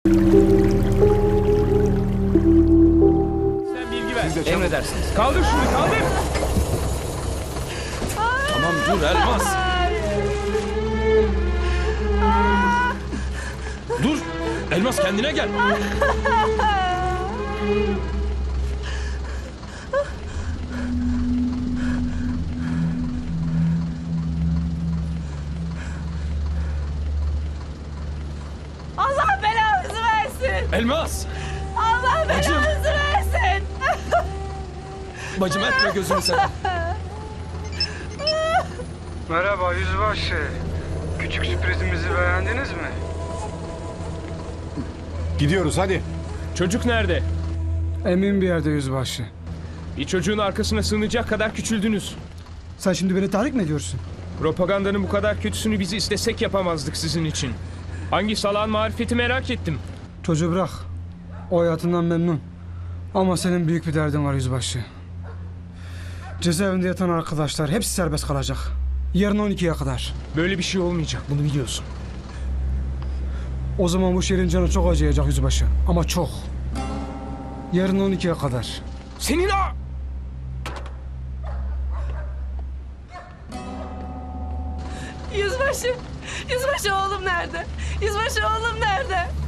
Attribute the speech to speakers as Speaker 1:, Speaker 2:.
Speaker 1: Sen bilgi ver.
Speaker 2: Emredersiniz.
Speaker 1: Kaldır şunu, kaldır.
Speaker 2: Tamam dur Elmas. Dur. Elmas kendine gel.
Speaker 3: Allah belanızı versin.
Speaker 2: Elmas.
Speaker 3: Allah
Speaker 2: Bacım.
Speaker 3: belanızı versin.
Speaker 2: Bacım etme gözünü seveyim.
Speaker 4: Merhaba yüzbaşı. Küçük sürprizimizi beğendiniz mi?
Speaker 5: Gidiyoruz hadi.
Speaker 1: Çocuk nerede?
Speaker 6: Emin bir yerde yüzbaşı.
Speaker 1: Bir çocuğun arkasına sığınacak kadar küçüldünüz.
Speaker 6: Sen şimdi beni tahrik mi ediyorsun?
Speaker 1: Propagandanın bu kadar kötüsünü biz istesek yapamazdık sizin için. Hangi salağın marifeti merak ettim.
Speaker 6: Çocuğu bırak. O hayatından memnun. Ama senin büyük bir derdin var yüzbaşı. Cezaevinde yatan arkadaşlar hepsi serbest kalacak. Yarın 12'ye kadar.
Speaker 1: Böyle bir şey olmayacak, bunu biliyorsun.
Speaker 6: O zaman bu şehrin canı çok acıyacak yüzbaşı. Ama çok. Yarın 12'ye kadar.
Speaker 1: Senin o...
Speaker 3: Yüzbaşı. Yüzbaşı oğlum nerede? Yüzbaşı oğlum nerede?